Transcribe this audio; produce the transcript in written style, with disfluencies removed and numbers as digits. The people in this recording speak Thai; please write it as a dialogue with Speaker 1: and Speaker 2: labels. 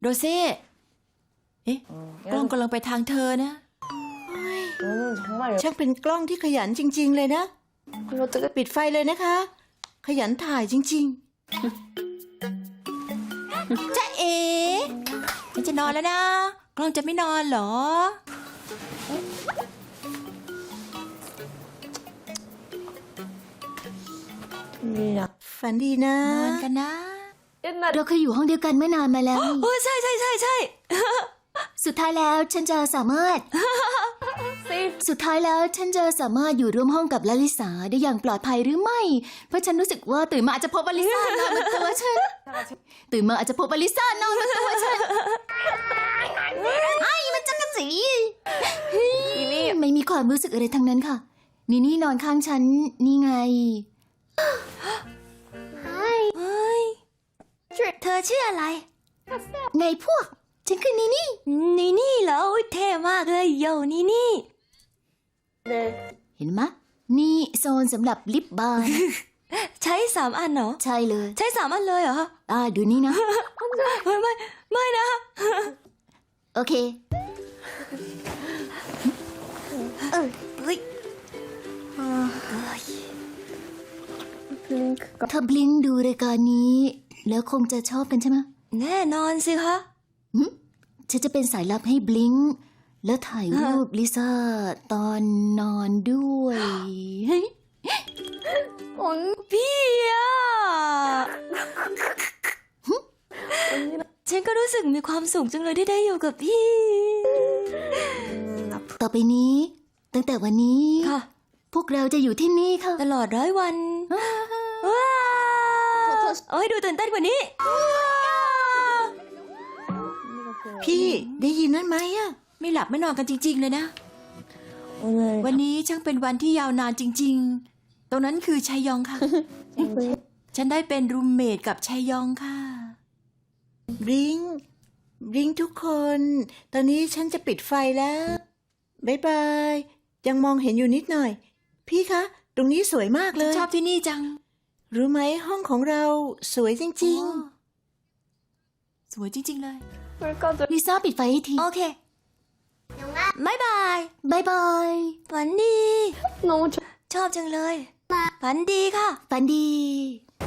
Speaker 1: โรเซ่เอ๊ะกล้องกำลังไปทางเธอนะ
Speaker 2: ช่างเป็นกล้องที่ขยันจริงๆเลยนะปิดไฟเลยนะคะ ขยันถ่ายจริง
Speaker 1: จ๊ะเอ๋มันจะนอนแล้วนะ กล้องจะไม่นอนเหรอ
Speaker 2: ๆ ฝันดีนะ
Speaker 1: นอนกันนะ
Speaker 3: เราเคยอยู่ห้องเดียวกันเมื่อนานมาแล้วนี่
Speaker 1: โอ้ใช่ใช่ใช่ใช่
Speaker 3: สุดท้ายแล้วฉันจะสามารถ สุดท้ายแล้วฉันจะสามารถอยู่ร่วมห้องกับลลิสาได้อย่างปลอดภัยหรือไม่ เพราะฉันรู้สึกว่าตื่นมาอาจจะพบอลิซานอนบนตัวฉัน ตื่นมาอาจจะพบอลิซานอนบนตัวฉันไอ้มันจักรจีไม่มีความรู้สึกอะไรทั้งนั้นค่ะนี่นอนข้างฉันนี่ไง
Speaker 1: เฮ้ยเธอชื่ออะไร
Speaker 3: ไงพวก ฉันคือนี่
Speaker 1: นี่เหรออุ๊ยเท่มากเลยโยนี่
Speaker 3: เห็นไหมนี่โซนสำหรับลิปบาล์ม
Speaker 1: ใช้3 อันเหรอ
Speaker 3: ใช่เลย
Speaker 1: ใช้3 อันเลยเหรอ
Speaker 3: ดูนี่นะ
Speaker 1: ไม่นะ
Speaker 3: โอเค
Speaker 1: เฮ้ย
Speaker 3: ถ้าบลิงดูรายการนี้ แล้วคงจะชอบกันใช่ไหม
Speaker 1: แน่นอนสิคะ
Speaker 3: ฉันจะเป็นสายลับให้บลิงแล้วถ่ายรูปลิซ่าตอนนอนด้วยเฮ้ย
Speaker 1: พี่อะฉันก็รู้สึกมีความสุขจังเลยที่ได้อยู่กับพี่
Speaker 3: ต่อไปนี้ ตั้งแต่วันนี้
Speaker 1: ค่ะ
Speaker 3: พวกเราจะอยู่ที่นี่ค่ะ
Speaker 1: ตลอด100 วันว้าวเอาให้ดูตื่นเต้นกว่านี้
Speaker 2: พี่ได้ยินนั่นไหมอะ
Speaker 1: ไม่หลับไม่นอนกันจริงๆเลยนะ วันนี้ช่างเป็นวันที่ยาวนานจริงๆ ตรงนั้นคือชัยยองค่ะ ฉันได้เป็นรูมเมทกับชัยยองค่ะ
Speaker 2: บลิงทุกคน ตอนนี้ฉันจะปิดไฟแล้วบ๊ายบายยังมองเห็นอยู่นิดหน่อย พี่คะ ตรงนี้สวยมากเลย
Speaker 1: ชอบที่นี่จัง
Speaker 2: รู้ไหมห้องของเราสวยจริง
Speaker 1: โอ้สวยจริงๆเลย
Speaker 3: ลิซ่าปิดไฟให้ที
Speaker 1: โอเคบ๊ายบาย
Speaker 3: บายบาย
Speaker 1: ฝันดี ชอบจังเลย ฝันดีค่ะ
Speaker 3: ฝันดี